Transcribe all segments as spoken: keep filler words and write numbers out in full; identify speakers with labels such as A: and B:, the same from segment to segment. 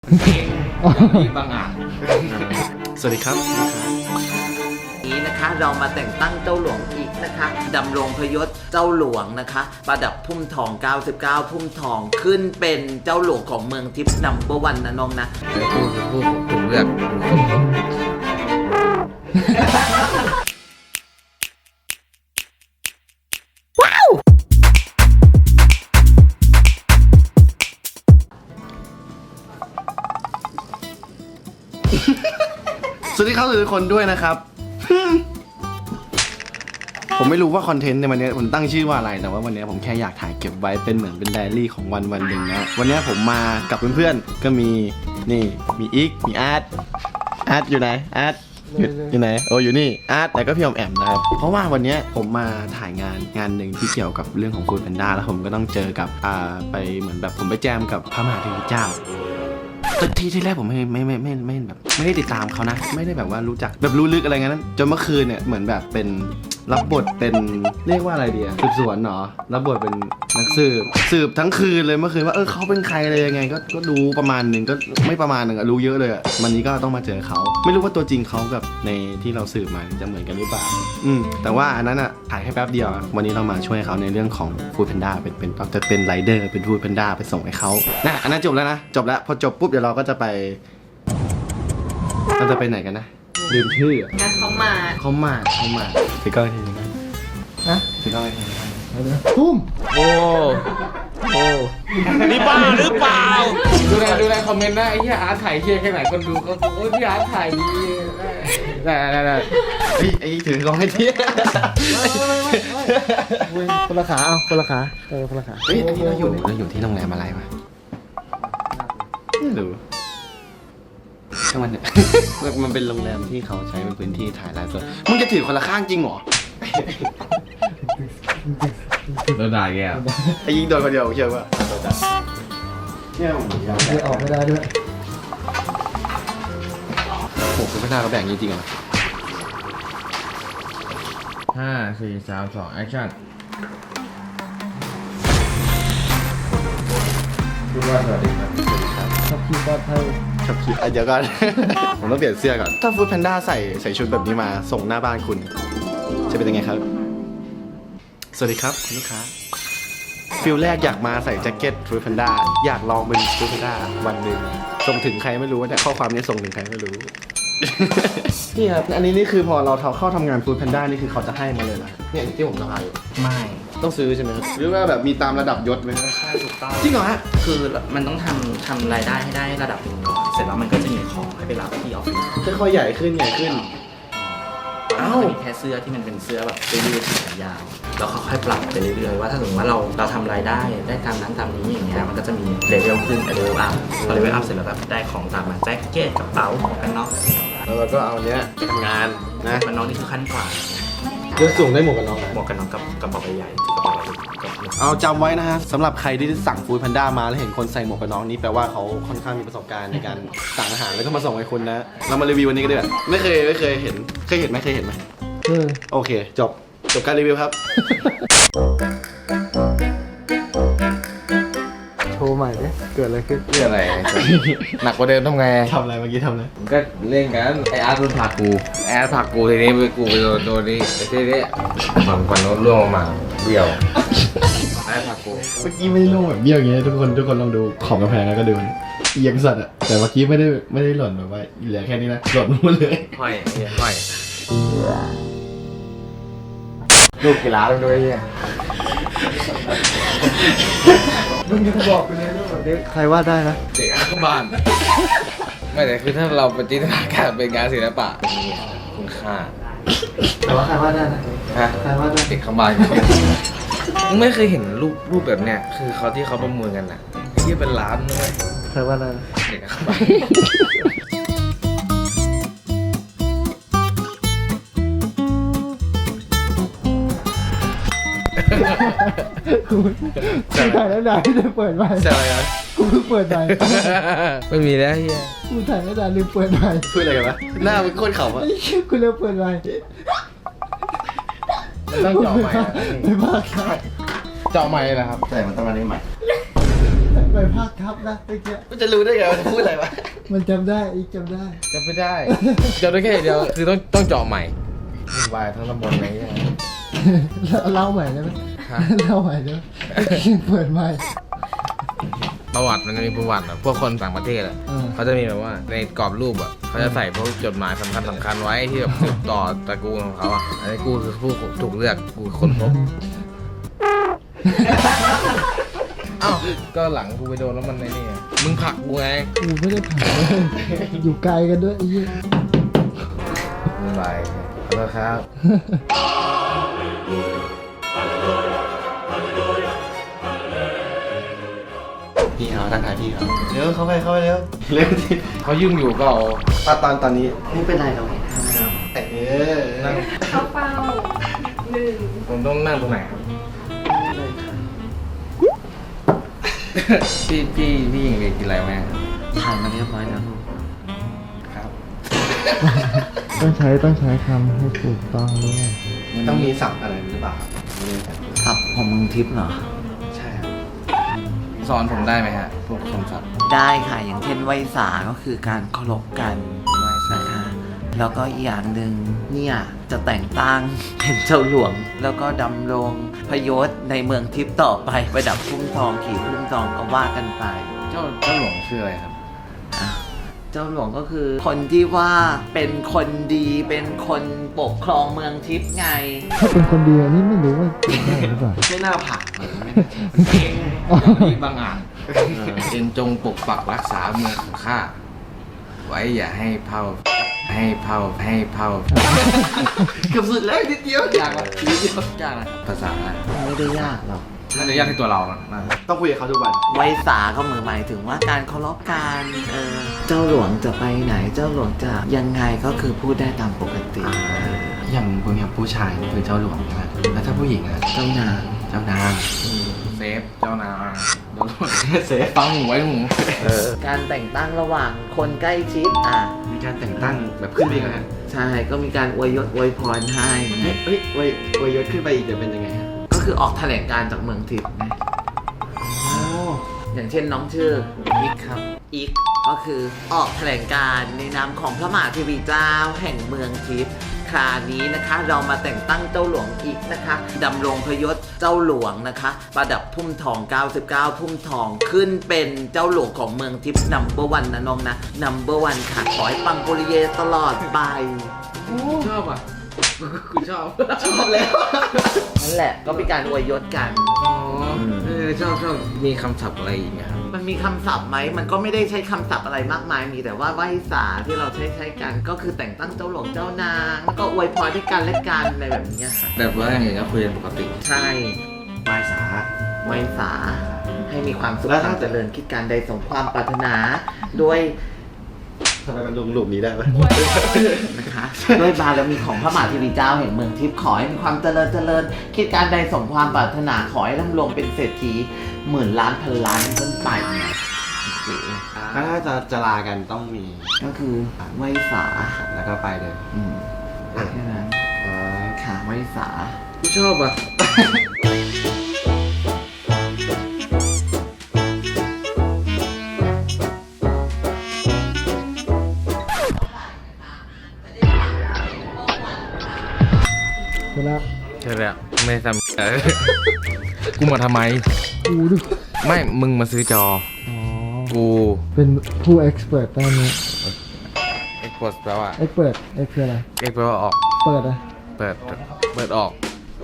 A: เก่งมีบางอ่ะ
B: สวัสดีครับ
C: นี้นะคะเรามาแต่งตั้งเจ้าหลวงอีกนะคะดำรงพยศเจ้าหลวงนะคะประดับพุ่มทองเก้าสิบเก้าพุ่มทองขึ้นเป็นเจ้าหลวงของเมืองทิพย์นัมเบอร์วันนะน้องนะ
A: พูดพูดผมเลือก
B: สวัสดีครับทุกคนด้วยนะครับ ผมไม่รู้ว่าคอนเทนต์ในวันนี้ผมตั้งชื่อว่าอะไรแต่ว่าวันนี้ผมแค่อยากถ่ายเก็บไว้เป็นเหมือนเป็นไดอารี่ของวันวันหนึ่งนะวันนี้ผมมากับเพื่อนๆก็มีนี่มีอีกมีอาร์ตอาร์ตอยู่ไหนอาร์ตอยู่อยู่ไหนโอ้อยู่นี่อาร์ตแต่ก็พี่อมแอมนะครับเพราะว่าวันนี้ผมมาถ่ายงานงานหนึ่งที่เกี่ยวกับเรื่องของฟู้ดแพนด้าแล้วผมก็ต้องเจอกับอ่าไปเหมือนแบบผมไปแจมกับพระมหาเทวีเจ้าที่ที่แรกผมไม่ไม่ไม่ไม่ไม่แบบไม่ได้ติดตามเขานะไม่ได้แบบว่ารู้จักแบบรู้ลึกอะไรเงี้ยจนเมื่อคืนเนี่ยเหมือนแบบเป็นรับบทเป็นเรียกว่าอะไรดีอะสืบสวนเนาะรับบทเป็นนักสืบสืบทั้งคืนเลยเมื่อคืนว่าเออเขาเป็นใครอะไรยังไงก็ก็รู้ประมาณหนึ่งก็ไม่ประมาณหนึ่งอะรู้เยอะเลยอะวันนี้ก็ต้องมาเจอเขาไม่รู้ว่าตัวจริงเขากับในที่เราสืบมาจะเหมือนกันหรือเปล่าอืมแต่ว่าอันนั้นอะถ่ายแค่แป๊บเดียววันนี้เรามาช่วยเขาในเรื่องของฟู้ดแพนด้าเป็นเป็นจะเป็นไรเดอร์เป็นฟู้ดแพนด้าไปส่งให้เขานะอันนั้นจบแล้วนะจบแล้วพอจบปุ๊บเดี๋ยวเราก็จะไปเราจะไปไหนกันนะลืมชื่อ
C: งั้นเขามา
B: เขามาเขามาไปก้อยทีนึงฮะไปก้อยทีนึง
A: ทุ่มโอ้โอ้นี่บ้าหรือเปล่าดูแลดูแลคอมเมนต์นะไอ้ที่อาร์ตถ่ายเชี่ยแค่ไหนคนดูเขาโอ้ยพี่อาร์ตถ่ายดีได้ได้ได้
B: ไอ้ไอ้ถือกล้องให้ที
D: คนละขาเอาคนละขาเออคนละขา
B: เฮ้ยอันนี้เราอยู่เราอยู่ที่โรงแรมอะไรวะไม่รู้ช่างมันเนี่ยมันเป็นโรงแรมที่เขาใช้เป็นพื้นที่ถ่ายไลฟ์สดมึงจะถือคนละข้างจริงเหรอ
A: โดนด่าแก
B: ไอ้ยิงโดนคนเดียวเชื่อว่าเนี่ยผมยังไม่
D: ออกไม่ได้ด้วย
B: โอ้โหคุณพน้าเขาแบ่งจริงๆเหรอ
A: ห้าสี่สามสองแอคชั่นพูดว่าสวัสดีครับ
D: ขับขี่ปลอดภัย
B: ขับขี่เดี๋ยวก่อน ผมต้องเปลี่ยนเสื้อก่อนถ้าฟู้ดแพนด้าใส่ใส่ชุดแบบนี้มาส่งหน้าบ้านคุณจะเป็นยังไงครับสวัสดีครับคุณลูกค้าฟิลแรกอยากมาใส่แจ็คเก็ตฟู้ดแพนด้าอยากลองเป็นฟู้ดแพนด้าวันหนึ่งส่งถึงใครไม่รู้แต่ข้อความนี้ส่งถึงใครไม่รู้ นี่ครับอันนี้นี่คือพอเราเข้าทำงานฟู้ดแพนด้านี่คือเขาจะให้มาเลยนะเนี่ยที่ผมสะพายอยู่
E: ไม่
B: ต้องซื้อใช่ไหมครับหรือว่าแบบมีตามระดับยศไหม
E: ใช่ถูกต้อง
B: จริงเหรอฮะ
E: คือมันต้องทำทำรายได้ให้ได้ระดับหนึ่งก่อนเสร็จแล้วมันก็จะมีของให้ไปรับที่ออฟฟิศ
B: ค่อยๆใหญ่ขึ้นใหญ่ขึ้น
E: อ้าวมีแค่เสื้อที่มันเป็นเสื้อแบบเสื้อยืดแขนยาวแล้วเขาค่อยปรับไปเรื่อยๆว่าถ้าสมมติว่าเราเราทำรายได้ได้ตามนั้นตามนี้อย่างเงี้ยมันก็จะมีเลเวลขึ้นเลเวลอัพพอเลเวลอัพเสร็จแล้วแบบได้ของตามมาแจ็คเก็ตกระเป๋าของกันน็อก
B: แล้วเราก็เอาเนี้ยไปทำงานนะ
E: กันน็อกนี่คือขั้นกว่า
B: เรื่องสูงได้หมวกกันน็อก
E: หมวกกันน็อกกับกระเป๋าใบใหญ่กระเป๋า
B: เอาจำไว้นะฮะสำหรับใครที่สั่งฟู้ดแพนด้ามาแล้วเห็นคนใส่หมวกกันน็อกนี่แปลว่าเขาค่อนข้างมีประสบการณ์ในการสั่งอาหารแล้วก็มาส่งให้คุณนะเรามารีวิววันนี้กันด้วยไม่เคยไม่เคยเห็นเคยเห็นไหมเคยเห็นไหมโอเคจบจบการรีวิวครับ
D: โชว์ใหม่ดิเกิดอะไรขึ้น
A: เรื่องอะไรหนักกว่าเดิมทำไง
B: ทำอะไรเมื่อกี้ทำอะไร
A: ก็เล่นกันไออาร์ตโดนผลักกูไออาร์ตผลักกูทีนี้ไปกูไปโดนโดนนี่ไอทีนี้ฝั่งฝั่งโน้นล่วงมาเบี้ยวไออาร์ตผลักกู
B: เมื่อกี้ไม่ได้ลงแบบเบี้ยวอย่างเงี้ยทุกคนทุกคนลองดูของกระแพงแล้วก็ดูเอียงสัตว์อะแต่เมื่อกี้ไม่ได้ไม่ได้หล่นแบบว่าเหลือแค่นี้นะหล่นหมดเลย
A: ค่อยค่อยลูกกีฬาด้วยเนี่ย
D: มึงจะบอกไปเลยว่าแบบนี้ใครวาดได้นะ
A: เด็กข้างบ้านไม่แต่คือถ้าเราปฏิทินการเป็นงานศิลปะมีคุณค่า
D: แต่ว่าใครวาดได้นะ
A: ฮะ
D: ใครวาดได้
A: เด็กข้างบ้านมึงไม่เคยเห็นรูปรูปแบบเนี้ยคือเขาที่เขาประมูลกันน่ะที่เป็นล้านเลย
D: ใครวาดได้
A: เด็กข้างบ้าน
D: กูถ่ายแล้วได้ลืมเปิดไมค์
A: ใช่ไหม
D: กูเพิ่งเปิดไมค์
A: ไม่มีแล้วเฮีย
D: กูถ่ายแล้วได้ลืมเปิดไมค์
B: พูดอะไรกันวะหน้ามันโคตรเข่าอะ
D: กูลืมเปิดไมค์
A: ต้องเจาะไมค์
D: ไม่บ้าครับ
A: เจาะไมค์นะครับ
B: ใช่มันต้องมาได้ใหม่
D: ไปภาคทับนะเมื่อกี้
B: มันจะรู้ได้ไงว่าจะพูดอะไรวะ
D: มันจำได้อีกจำได้
A: จำไม่ได้จำได้แค่เดียวคือต้องต้องเจาะใหม่วุ่นวายทั้งตำบลอะไรเงี้ย
D: เล่าใหม่ได้ไหม
A: ฮะ
D: เล่าใหม่ได้ไหมเปิดใหม่
A: ประวัติมันจะมีประวัติอะพวกคนต่างประเทศอะ
D: อืม
A: เขาจะมีแบบว่าในกรอบรูปอะเขาจะใส่พวกจดหมายสำคัญสำคัญไว้ที่แบบสืบต่อตระกูลของเขาอะอันนี้กูคือผู้ถูกเลือกกูคือคนพบอ้าวก็หลังกูไปโดนแล้วมันในนี่ไงมึงผลักกูไง
D: กูไม่ได้ผ่านเลยอยู่ไกลกันด้วยไอ้เหี้ย
A: ไม่เป็นไรขอโทษครับ
B: พี่เขาทักทายพี่เขาเร็วเข้าไปเข้าไปเร็วเร็วที
A: เขายุ่งอยู่ก็เอา
B: ตอนตอนตอนนี้
C: ไม่เป็นไรหรอก
B: เออ
A: นั่ง
F: เข้าเป้าหนึ่ง
A: ผมต้องนั่งตรงไหนครับพี่พี่พี่ยิงเรียนกินอะไรไหมครับ
C: ผ่านมาเรียบร้อยแล้วลูก
A: ครับ
D: ต้องใช้ต้องใช้คำให้ถูกต้องด้วย
B: ต้องมีศัพท์อะไรหรือเปล่าครับไม่แน่ใจ
C: ขับของมึงทิพย์เหรอ
B: ใช่ครับ
A: สอนผมได้ไหมฮะพวกคำศัพท์
C: ได้ค่ะ อย่างเช่นไหวสาก็คือการเคารพกันนะคะแล้วก็อีกอย่างหนึ่งเนี่ยจะแต่งตั้งเป็นเจ้าหลวง แล้วก็ดำรงพยศในเมืองทิพย์ต่อไปประดับพุ่มทองขี่พุ่มทองก็ว่ากันไป
A: เจ้าเจ้าหลวงชื่ออะไรครับ
C: อ่ะเจ้าหลวงก็คือคนที่ว่าเป็นคนดีเป็นคนปกครองเมืองทิพย์ไง
D: ถ้าเป็นคนดีอันนี้ไม่รู้ว่าเป็นได้หรือเปล่า
B: ไม่น่าผ่านเลยไม่
A: มีบางอ่านเป็นจงปกปักรักษาเมืองของข้าไว้อย่าให้เผาให้เผาให้เผา
B: เกือบสุดแล้วนิดเดียวย
A: ากละนิดเดียวยากนะครับภาษาอะไร
C: ไม่ได้ยากหรอก
A: น่าจะยากที่ตัวเรานะน่าจะ
B: ต้องคุยกับเขาทุกวัน
C: ไหวสาก็หมายถึงว่าการเคารพกันเออเจ้าหลวงจะไปไหน เจ้าหลวงจะยังไงก็คือพูดได้ตามปกติเออ
B: อย่างพวกเนี้ยผู้ชายคือเจ้าหลวงใช่ไหมแล้วถ้าผู้หญิงอะ
C: เจ้านาง
B: เจ้านาง
A: เซฟเจ้านายโดนเซฟฟังหูไว้หู
C: การแต่งตั้งระหว่างคนใกล้ชิดอ่ะ
B: มีการแต่งตั้งแบบขึ้นไปอีกนะ
C: ใช่ก็มีการอวยยศอวยพรให้
B: เฮ้ยเฮ้ยเว้ยเว้ยยศขึ้นไปอีกจะเป็นยังไงฮะ
C: ก็คือออกแถลงการจากเมืองทิพย์ไงอย่างเช่นน้องชื่ออีกครับอีกก็คือออกแถลงการในนามของพระมหาเทวีเจ้าแห่งเมืองทิพย์คราวนี้นะคะเรามาแต่งตั้งเจ้าหลวงอีกนะคะดำรงพยศเจ้าหลวงนะคะ ประดับพุ่มทองเก้าสิบเก้าพุ่มทองขึ้นเป็นเจ้าหลวงของเมืองทิพย์นัมเบอร์วันนะน้องนะนัมเบอร์วันค่ะขอให้ปังปุริเยตลอดไป
A: ชอบอ่ะกูชอบ
B: ชอบแล้ว
C: นั่นแหละก็เป็นการอวยยศกัน
A: อ๋อเออชอบชอบมีคำศัพท์อะไรอีกไหมครับ
C: มันมีคำศัพท์ไหม มันก็ไม่ได้ใช้คำศัพท์อะไรมากมาย มีแต่ว่าไหว้สาที่เราใช้ใช้กัน ก็คือแต่งตั้งเจ้าหลวงเจ้านาง แล้วก็อวยพรให้กันและกันอะไรแบบนี้ค่ะ
A: แบบว่าอย่างอื่นก็คุยกันปกติ
C: ใช่
B: ปลายสา
C: ไหว้สา ให้มีความสุข
B: แล้วถ้า
C: ความเจริญคิดการใดสมความปรารถนาด้วย
B: ทำไมมันลงหลุมนี้ได้ไหม
C: นะคะ ด้วยบารมีของพระมหาเทวีเจ้าแห่งเมืองทิพย์ขอให้มีความเจริญเจริญ คิดการใดสมความปรารถนาขอให้ร่ำรวยเป็นเศรษฐีหมื่นล้านพันล้านขึ้นไปเนี่ยโอเค
B: ถ้าจะจะลากันต้องมี
C: ก็คือไหว้สา
B: แล้วก็ไปเลย
C: อืมแค่นั้น
B: อ๋อ
C: ค่ะไหว้สา
A: กูชอบอ่ะ
D: เวลา
A: ใช่แล้วไม่ทำเออกูมาทำไม
D: กูดู
A: ไม่ มึงมาซื้อจอ
D: อ๋อ
A: กู
D: เป็นผู้ expert ด้านนี้
A: เอ็กโพสแปลว่า
D: expert เอ็กคืออะไร
A: เอ็กแปลว่าออก
D: เปิดอะ
A: เปิด เปิดออก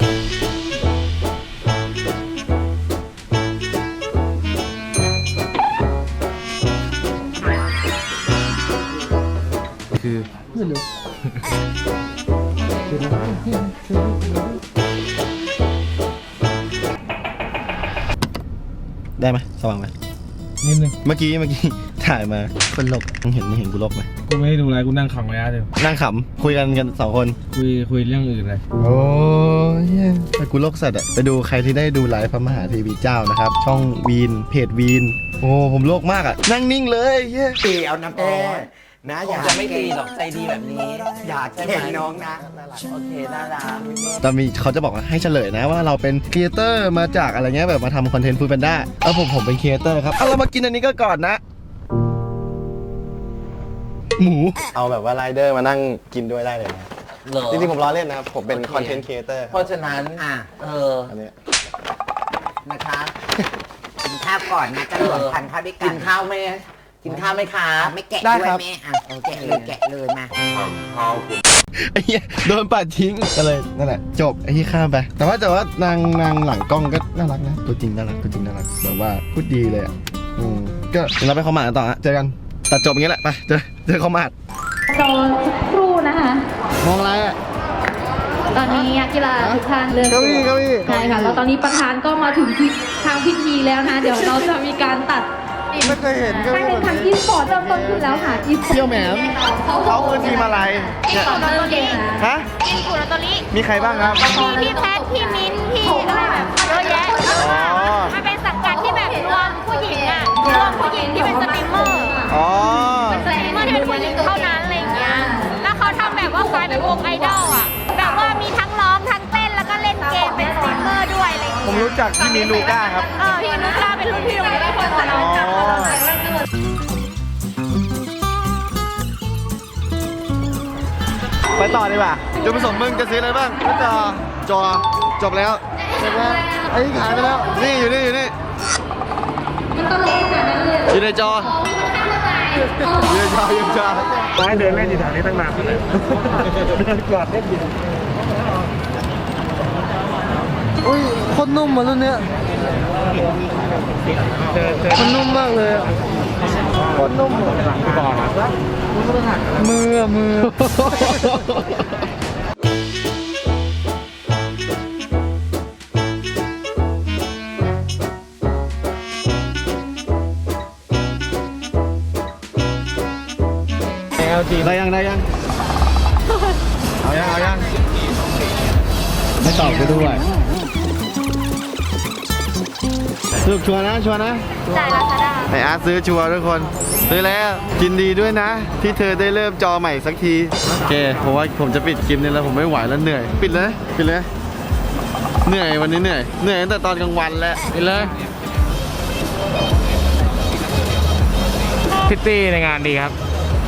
A: คือ
D: ไม่รู้คืออะไรคือ
B: ได้ไหมสว่างไหม
A: นิดนึง
B: เมื่อกี้เมื่อกี้ถ่ายมาคนหลบมึงเห็นมึงเห็นกูหลบไหม
A: กูไม่ได้ดูอะไรกูนั่งขังระยะเดียว
B: นั่งขำคุยกันกันสองคน
A: คุยคุยเรื่องอื่นเลย
B: โอ้ยเหี้ยแต่กูโลกสัตว์อะไปดูใครที่ได้ดูไลฟ์พระมหาเทวีเจ้านะครับ ช่องวีนเพจวีนโอ้ผมโลกมากอะนั่งนิ่งเลยเย้
C: เปเอาน้ำแอ
G: นะ
C: ค
G: อง ย่า
C: จะไม่ตีหรอกใจดีแบบนี้
G: อย่าเก่งน้องนะ
C: โอเคน่ารัก
B: แต่มีเขาจะบอกว่าให้เฉลยนะว่าเราเป็นครีเอเตอร์มาจากอะไรเงี้ยแบบมาทำคอนเทนต์ฟูดแพนด้าแล้วผมผมเป็นครีเอเตอร์ครับเอาเรามากินอันนี้ก็ก่อนนะ หมูเอาแบบว่าไรเดอร์มานั่งกินด้วยได้เลยนะ
C: เหรอ
B: จริงๆผมล้อเล่นนะครับผมเป็นคอนเทนต์ครีเอเตอร์
C: เพราะฉะนั้น
G: อ่ะ
C: เออ
B: อันนี้
G: นะคะ กินข้าวก่อนนะจะรวมทานข้าวด้วยกั
C: กิ
G: น
C: นข้าวไหมกินข้าวไหมคะ
G: อ่ะไม่แกะด้วยแม่อ่ะแกะเลยแกะเลยมา
B: ไอ้เหี้ยโดนปัดทิ้งก็เลยนั่นแหละจบไอ้ที่ข้ามไป แต่ว่าแต่ว่านางนางหลังกล้องก็น่ารักนะตัวจริงน่ารักตัวจริงน่ารักแบบว่าพูดดีเลยอ่ะอืมก็เดี๋ยวเราไปคอมมาดกันต่อฮะเจอกันตัดจบอย่างนี้แหละไปเจอเจอคอมมาด
F: รอสักครู่นะคะ
B: มองอะไรอ่ะ
F: ตอนนี้นักกีฬาทุกท่านเริ่ม
B: เก้าอี้เก้าอี้
F: ใช่ค่ะแล้วตอนนี้ประธานก็มาถึงที่ทางพิธีแล้วนะ เดี๋ยวเราจะมีการตัด
B: ไม่เคยเห็นเก้า
F: การ
B: อี้
F: แข่ง
B: แบบ
F: ขัน
B: นี้
F: อีสปอร์ตเริ่มต้นขึ้นแล้วค่ะอีส
B: เที่ยวแหมมเขาคือทีมอะไรเนี่ย
F: เริ่มเกมนะ
B: ฮะ
H: อินกุลตอริ
B: มีใครบ้างครับ
H: พี่พี่แพทพี่มิ้นท์พี่อะไรแบบเยอะแยะ
B: อ๋อ
H: มันเป็นสังกัดที่แบบรวมผู้หญิงอ่ะรวมผู้หญิงที่เป็นสตรีมเมอร์
B: อ๋อ
H: สตรีมเมอร์ที่เป็นผู้หญิงเท่านั้นอะไรอย่างเงี้ย แล้วเขาทำแบบว่าคล้ายเป็นวงไอดอลอ่ะ แบบว่ามีทั้งร้องทั้งเต้นแล้วก็เล่นเกมเป็นสตรีมเมอร์ด้วยอะไรอย่าง
B: ผม
H: เงี้ย
B: รู้จักที่มีลูก้าครับ
H: เออพี่นุชลาเป็นรุ่นพี่โรงเรียนคนสนอง
B: อ๋อ ไปต่อดีกว่าจุดประสงค์มึงจะซื้ออะไรบ้างก็จอ จอ จบแล้วจบแล้วไอ้นี่ขายไปแล้ว นี่อยู่นี่อยู่นี่อยู่ในจออยู่ในจออยู่ในจอ
D: ร้อยเดินเล่นอยู่แถวนี้ตั้งนานเลยเดินกอดเล่นอยู่อุ้ยโคตรนุ่มอ่ะรุ่นเนี้ยมันนุ่มมากเลยอะโคตรนุ่มอ่ะมืออะมือ
B: ได้ยังได้ยังเอายังเอายังไม่ตอบก็ด้วยสรุปชัวร์นะชัวร์นะ
H: จ่ายลาซาด้า
B: ไออาร์ตซื้อชัวร์ทุกคนซื้อแล้วกินดีด้วยนะ ที่เธอได้เริ่มจอใหม่สักทีโอเคผมว่าผมจะปิดคลิปนี้แล้วผมไม่ไหวแล้วเหนื่อยปิดเลยปิดเลยเหนื่อยวันนี้เหนื่อยเหนื่อยตั้งแต่ตอนกลางวันแล้ว
A: ไปเลยพิตตี้ในงานดีครับ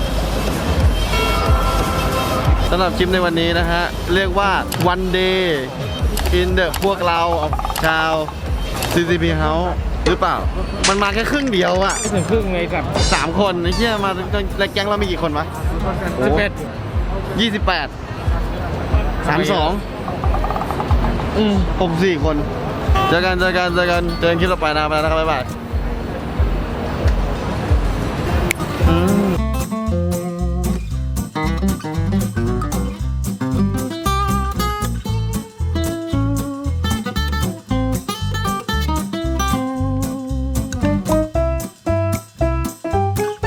B: สำหรับคลิปในวันนี้นะฮะ เรียกว่า one day in the พวกเราชาว ซี ซี พี House หรือเปล่า มันมาแค่ครึ่งเดียวอะ
A: ไม่ถึงครึ่งเลยกับ
B: สามคนไอ้เหี้ยมาแล้วแก๊งเรามีกี่คนวะ
A: สิบเอ็ด
B: ยี่สิบแปดสามสองอืมผมสี่คน เจอกันเจอกันเจอกันเจอกันคลิปต่อไปนะไปแล้วนะครับบ๊ายบาย